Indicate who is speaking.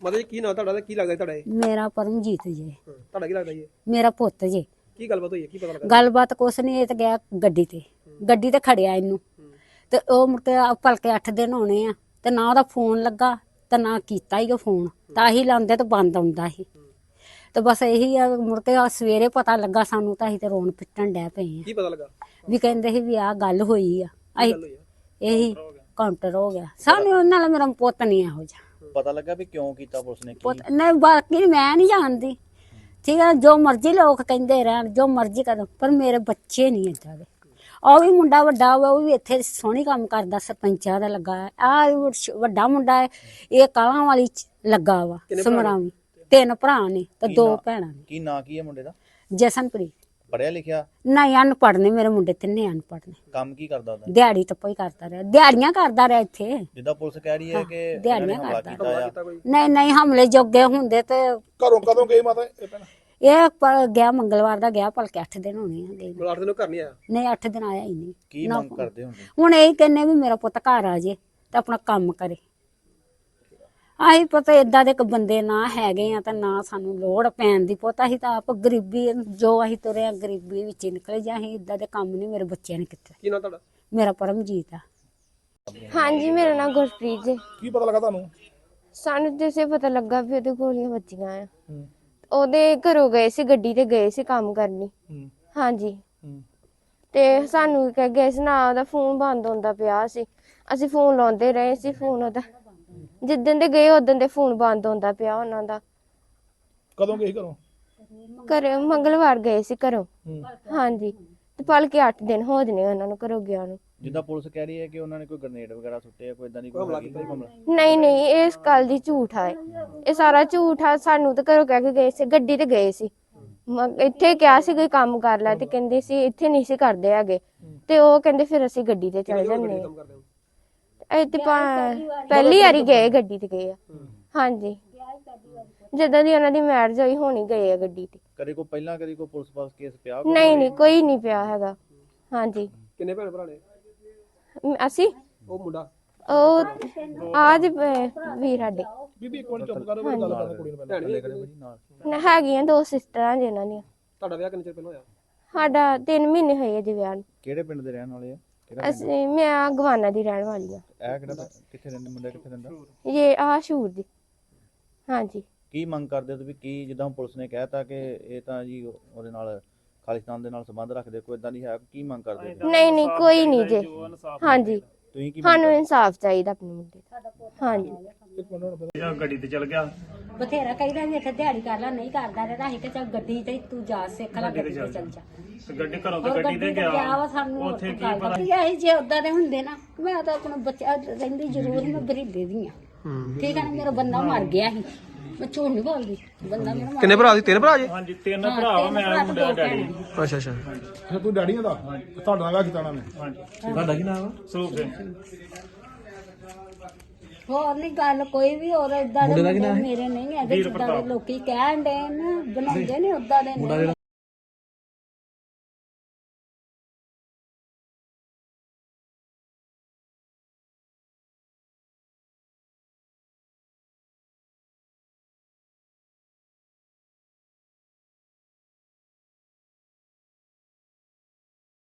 Speaker 1: ਮਾਤਾ ਜੀ ਕੀ ਨਾਂ ਤੁਹਾਡਾ ਤੇ ਕੀ ਲੱਗਦਾ ਤੁਹਾਡਾ ਇਹ?
Speaker 2: ਮੇਰਾ ਪਰਮਜੀਤ ਜੀ।
Speaker 1: ਤੁਹਾਡਾ ਕੀ ਲੱਗਦਾ ਜੀ?
Speaker 2: ਮੇਰਾ ਪੁੱਤ ਜੀ।
Speaker 1: ਕੀ ਗੱਲਬਾਤ ਹੋਈ ਹੈ, ਕੀ ਪਤਾ ਲੱਗਾ?
Speaker 2: ਗੱਲਬਾਤ ਕੁਛ ਨਹੀਂ, ਇਹ ਤਾਂ ਗਿਆ ਗੱਡੀ ਤੇ ਖੜਿਆ ਇਹਨੂੰ ਤੇ ਉਹ ਮੁੜ ਕੇ ਭਲਕੇ 8 ਦਿਨ ਹੋਣੇ ਆ ਤੇ ਨਾ ਉਹਦਾ ਫੋਨ ਲੱਗਾ ਤੇ ਨਾ ਕੀਤਾ ਹੀ ਉਹ ਫੋਨ, ਤਾਂ ਹੀ ਲਾਉਂਦੇ ਤੇ ਬੰਦ ਆਉਂਦਾ ਸੀ। ਤੇ ਬਸ ਇਹੀ ਆ, ਮੁੜ ਕੇ ਸਵੇਰੇ ਪਤਾ ਲੱਗਾ ਸਾਨੂੰ ਤਾਂ ਅਸੀਂ ਤੇ ਰੋਣ ਪਿੱਟਣ ਡੈ ਪਏ ਆ।
Speaker 1: ਕੀ ਪਤਾ ਲੱਗਾ?
Speaker 2: ਵੀ ਕਹਿੰਦੇ ਸੀ ਵੀ ਆਹ ਗੱਲ ਹੋਈ ਆ। ਅਸੀਂ
Speaker 1: ਗੱਲ ਹੋਈ ਆ?
Speaker 2: ਇਹੀ ਕਾਊਂਟਰ ਹੋ ਗਿਆ ਸਾਨੂੰ, ਉਹਨਾਂ ਨਾਲ ਮੇਰਾ ਪੁੱਤ ਨਹੀਂ ਇਹੋ ਜਿਹਾ।
Speaker 3: ਪਤਾ ਲੱਗਾ ਵੀ ਕਿਉਂ ਕੀਤਾ ਪੁਲਿਸ ਨੇ?
Speaker 2: ਪੁੱਤ ਨਹੀਂ, ਬਾਕੀ ਮੈਂ ਨਹੀਂ ਜਾਣਦੀ, ਠੀਕ ਹੈ, ਜੋ ਮਰਜ਼ੀ ਲੋਕ ਕਹਿੰਦੇ ਰਹਿਣ, ਜੋ ਮਰਜ਼ੀ ਕਰਨ, ਪਰ ਮੇਰੇ ਬੱਚੇ ਨਹੀਂ ਏਦਾਂ ਦੇ। ਉਹ ਵੀ ਮੁੰਡਾ ਵੱਡਾ ਵਾ, ਉਹ ਵੀ ਇੱਥੇ ਸੋਹਣੀ ਕੰਮ ਕਰਦਾ, ਸਰਪੰਚਾਂ ਦਾ ਲੱਗਾ ਹੈ। ਆ ਵੱਡਾ ਮੁੰਡਾ ਹੈ, ਇਹ ਕਾਲਾਂ ਵਾਲੀ ਚ ਲੱਗਾ ਵਾ ਸਮਰਾਵੀ। 3 ਭਰਾ ਨੇ ਤੇ 2 ਭੈਣਾਂ ਨੇ।
Speaker 3: ਕੀ ਨਾਂ ਕੀ ਹੈ ਮੁੰਡੇ ਦਾ?
Speaker 2: ਜਸਨਪ੍ਰੀਤ।
Speaker 3: ਪੜਿਆ ਲਿਖਿਆ?
Speaker 2: ਨਹੀਂ, ਅਨਪੜ੍ਹ ਨੇ ਮੇਰੇ ਮੁੰਡੇ, 3 ਅਨਪੜ੍ਹ ਨੇ।
Speaker 3: ਕੰਮ ਕੀ ਕਰਦਾ ਉਹਦਾ?
Speaker 2: ਦਿਹਾੜੀ ਟੱਪਾ ਹੀ ਕਰਦਾ ਰਿਹਾ, ਦਿਹਾੜੀਆਂ ਕਰਦਾ ਰਿਹਾ ਇੱਥੇ।
Speaker 3: ਜਿੱਦਾਂ ਪੁਲਿਸ ਕਹਿ ਰਹੀ ਹੈ ਕਿ
Speaker 2: ਦਿਹਾੜੀਆਂ
Speaker 3: ਹਮਲਾ
Speaker 2: ਕਰਦਾ।
Speaker 3: ਕੀਤਾ ਆ।
Speaker 2: ਨਹੀਂ ਨਹੀਂ, ਹਮਲੇ ਜੋਗੇ ਹੁੰਦੇ ਤੇ
Speaker 1: ਘਰੋਂ ਕਦੋਂ ਗਈ ਮਾਤਾ ਇਹ ਭੈਣ?
Speaker 2: ਇਹ ਗਿਆ ਮੰਗਲਵਾਰ ਦਾ ਗਿਆ, ਭਲਕੇ 8 ਦਿਨ ਹੋਣੇ ਆ ਗਏ ਨੂੰ।
Speaker 1: 8 ਦਿਨ ਘਰ ਨਹੀਂ ਆਇਆ?
Speaker 2: ਨਹੀਂ, 8 ਦਿਨ ਆਇਆ ਹੀ ਨਹੀਂ।
Speaker 3: ਕੀ ਮੰਗ ਕਰਦੇ ਹੁੰਦੇ?
Speaker 2: ਹੁਣ ਇਹ ਕਹਿੰਨੇ ਵੀ ਮੇਰਾ ਪੁੱਤ ਘਰ ਆ ਜੇ ਤੇ ਆਪਣਾ ਕੰਮ ਕਰੇ। ਆਹੀ ਪਤਾ ਏਦਾਂ ਦੇ ਇੱਕ ਬੰਦੇ ਨਾ ਹੈਗੇ ਆ ਤਾਂ ਨਾ ਸਾਨੂੰ ਲੋੜ ਪੈਣ ਦੀ। ਪੁੱਤ ਅਸੀਂ ਤਾਂ ਆਪ ਗਰੀਬੀ, ਜੋ ਅਸੀਂ ਤੁਰੇ ਆ ਗਰੀਬੀ ਵਿੱਚ ਹੀ ਨਿਕਲੇ, ਜਾਂ ਅਸੀਂ ਏਦਾਂ ਦੇ ਕੰਮ ਨਹੀਂ ਮੇਰੇ ਬੱਚਿਆਂ ਨੇ ਕੀਤੇ।
Speaker 1: ਕੀ ਨਾਂ ਤੁਹਾਡਾ?
Speaker 2: ਮੇਰਾ ਪਰਮਜੀਤ ਆ।
Speaker 4: ਹਾਂਜੀ, ਮੇਰਾ ਨਾਮ ਗੁਰਪ੍ਰੀਤ ਜੀ।
Speaker 1: ਕੀ ਪਤਾ ਲੱਗਾ ਤੁਹਾਨੂੰ?
Speaker 4: ਸਾਨੂੰ ਜਿਸੇ ਪਤਾ ਲੱਗਾ ਵੀ ਉਹਦੇ ਗੋਲੀਆਂ ਵੱਜੀਆਂ ਆ। ਉਹਦੇ ਘਰੋਂ ਗਏ ਸੀ, ਗੱਡੀ ਤੇ ਗਏ ਸੀ ਕੰਮ ਕਰਨੀ। ਹਾਂਜੀ, ਤੇ ਸਾਨੂੰ ਕਹਿ ਗਏ ਸੀ ਨਾ, ਉਹਦਾ ਫੋਨ ਬੰਦ ਹੁੰਦਾ ਪਿਆ ਸੀ। ਅਸੀਂ ਫੋਨ ਲਾਉਂਦੇ ਰਹੇ ਸੀ, ਫੋਨ ਉਹਦਾ ਜਿੱਦਣ ਦੇ ਗਏ ਉਦੋਂ ਦੇ ਫੋਨ ਬੰਦ ਹੁੰਦਾ ਪਿਆ ਉਹਨਾਂ ਦਾ।
Speaker 1: ਕਦੋਂ ਗਈ ਘਰੋਂ?
Speaker 4: ਘਰੇ ਮੰਗਲਵਾਰ ਗਏ ਸੀ ਘਰੋਂ। ਹਾਂਜੀ, ਤੇ ਭਲਕੇ 8 ਦਿਨ ਹੋ ਜਨੇ ਉਹਨਾਂ ਨੂੰ ਘਰੋਂ ਗਿਆ ਨੂੰ।
Speaker 3: ਜਿੱਦਾਂ ਪੁਲਿਸ ਕਹਿ ਰਹੀ ਹੈ ਕਿ ਉਹਨਾਂ ਨੇ ਕੋਈ ਗ੍ਰਨੇਡ ਵਗੈਰਾ ਸੁੱਟੇ ਆ, ਕੋਈ ਇਦਾਂ ਦੀ ਕੋਈ ਹਮਲਾ?
Speaker 4: ਨਹੀਂ ਨਹੀਂ, ਇਹ ਇਸ ਗੱਲ ਦੀ ਝੂਠ ਆ। ਇਹ ਸਾਰਾ ਝੂਠ ਆ। ਸਾਨੂੰ ਤਾਂ ਘਰੋਂ ਕਹਿ ਕੇ ਗਏ ਸੀ, ਗੱਡੀ ਤੇ ਗਏ ਸੀ। ਇੱਥੇ ਕਿਹਾ ਸੀ ਕੋਈ ਕੰਮ ਕਰ ਲੈ, ਤੇ ਕਹਿੰਦੇ ਸੀ ਇੱਥੇ ਨਹੀਂ ਸੀ ਕਰਦੇ ਹੈਗੇ, ਤੇ ਉਹ ਕਹਿੰਦੇ ਫਿਰ ਅਸੀਂ ਗੱਡੀ ਤੇ ਚਲੇ ਜਾਂਦੇ ਆ। ਇਹ ਤੇ ਪਹਿਲੀ ਵਾਰੀ ਗਏ, ਗੱਡੀ ਤੇ ਗਏ ਆ। ਹਾਂਜੀ, ਜਦੋਂ ਦੀ ਉਹਨਾਂ ਦੀ ਮੈਰਿਜ ਹੋਈ ਹੋਣੀ ਗਏ ਆ ਗੱਡੀ ਤੇ।
Speaker 3: ਕਦੇ ਕੋਈ ਪਹਿਲਾਂ ਕਦੇ ਕੋਈ ਪੁਲਿਸ ਪਾਸ ਕੇਸ ਪਿਆ?
Speaker 4: ਨਹੀਂ ਨਹੀਂ, ਕੋਈ ਨਹੀਂ ਪਿਆ ਹੈਗਾ। ਹਾਂਜੀ।
Speaker 1: ਕਿੰਨੇ ਭੈਣ ਭਰਾ ਨੇ?
Speaker 4: ਅਸੀਂ
Speaker 1: ਉਹ ਮੁੰਡਾ?
Speaker 4: ਉਹ ਆਜ ਵੀਰ ਸਾਡੇ
Speaker 1: ਬੀਬੀ ਇੱਕ ਮਿੰਟ ਚੁੱਪ ਕਰੋ, ਗੱਲ ਕਰਨਾ ਕੁੜੀ ਨੂੰ ਪਹਿਲਾਂ।
Speaker 4: ਹੈਗੀਆਂ 2 ਸਿਸਟਰਾਂ ਜਿਨ੍ਹਾਂ ਦੀਆਂ।
Speaker 1: ਤੁਹਾਡਾ ਵਿਆਹ ਕਿੰਨੇ ਚਿਰ ਪਹਿਲਾਂ ਹੋਇਆ?
Speaker 4: ਸਾਡਾ 3 ਮਹੀਨੇ ਹੋਏ ਜੀ ਵਿਆਹ ਨੂੰ।
Speaker 3: ਕਿਹੜੇ ਪਿੰਡ ਦੇ ਰਹਿਣ ਵਾਲੇ ਆ?
Speaker 4: ਅਸੀਂ ਮੈਂ ਗਵਾਨਾ ਦੀ ਰਹਿਣ ਵਾਲੀ ਆ।
Speaker 3: ਇਹ ਕਿਹੜਾ ਕਿੱਥੇ ਰਹਿੰਦੇ ਮੁੰਡਾ, ਕਿੱਥੇ ਰਹਿੰਦਾ?
Speaker 4: ਇਹ ਸ਼ੂਰ ਦੀ। ਹਾਂਜੀ।
Speaker 3: ਕੀ ਮੰਗ ਕਰਦੇ ਹੋ ਤੁਸੀਂ? ਕੀ ਜਿੱਦਾਂ ਪੁਲਿਸ ਨੇ ਕਹਿਤਾ ਕਿ ਇਹ ਤਾਂ ਜੀ ਉਹਦੇ ਨਾਲ ਖਾਲਿਸਤਾਨ ਦੇ ਨਾਲ ਸੰਬੰਧ ਰੱਖਦੇ, ਕੋਈ ਇਦਾਂ ਨਹੀਂ ਹੈ? ਕੀ ਮੰਗ ਕਰਦੇ ਹੋ?
Speaker 4: ਨਹੀਂ ਨਹੀਂ, ਕੋਈ ਨਹੀਂ ਜੀ। ਹਾਂਜੀ,
Speaker 3: ਤੁਸੀਂ ਕੀ
Speaker 4: ਸਾਨੂੰ ਇਨਸਾਫ ਚਾਹੀਦਾ ਆਪਣੇ ਮੁੰਡੇ ਦਾ। ਹਾਂਜੀ।
Speaker 5: ਗੱਡੀ ਤੇ ਚਲ ਗਿਆ।
Speaker 2: ਬਥੇਰਾ ਕਹਿੰਦਾ ਵੀ ਇੱਥੇ ਦਿਹਾੜੀ ਕਰ ਲੈ, ਨਹੀਂ ਕਰਦਾ ਰਿਹਾ। ਅਸੀਂ ਕਿ ਚੱਲ ਗੱਡੀ ਤੇ ਤੂੰ ਜਾ ਸਿੱਖ ਲੈ, ਗੱਡੀ ਤੇ ਚੱਲ ਜਾ।
Speaker 5: ਤੇ ਗੱਡੀ ਘਰੋਂ ਤੇ ਗੱਡੀ ਤੇ ਗਿਆ। ਉੱਥੇ ਕੀ ਪਤਾ
Speaker 2: ਇਹ ਜੇ ਉਦਾਂ ਦੇ ਹੁੰਦੇ ਨਾ, ਮੈਂ ਤਾਂ ਆਪਣਾ ਬੱਚਾ ਰਹਿੰਦੀ ਜ਼ਰੂਰ, ਮੈਂ ਬਰੀਦੇ ਦੀ ਆ। ਠੀਕ ਹੈ ਨਾ, ਮੇਰਾ ਬੰਦਾ ਮਰ ਗਿਆ ਸੀ, ਮੈਂ ਝੂਠ ਨਹੀਂ ਬੋਲਦੀ। ਬੰਦਾ ਮੇਰਾ
Speaker 1: ਕਿੰਨੇ ਭਰਾ ਸੀ? 3 ਭਰਾ ਜੀ?
Speaker 5: ਹਾਂਜੀ, 3 ਭਰਾ ਵਾ, ਮੈਂ ਮੁੰਡਾ ਡੈਡੀ।
Speaker 1: ਅੱਛਾ ਅੱਛਾ, ਫਿਰ ਤੂੰ ਡੈਡੀਆਂ ਦਾ ਤੁਹਾਡਾ ਵਿਆਹ ਕੀਤਾ ਉਹਨਾਂ ਨੇ?
Speaker 5: ਹਾਂਜੀ। ਤੁਹਾਡਾ ਕੀ ਨਾਮ? ਸਰੂਪ ਸਿੰਘ।
Speaker 2: ਹੋਰ ਨਹੀਂ ਗੱਲ ਕੋਈ ਵੀ, ਹੋਰ ਏਦਾਂ ਦੇ ਮੇਰੇ ਨਹੀਂ ਹੈਗੇ ਜਿੱਦਾਂ ਦੇ ਲੋਕੀ ਕਹਿਣ ਦੇ ਨਾ, ਬਣਾਉਂਦੇ ਨੇ ਉਦਾਂ ਦੇ।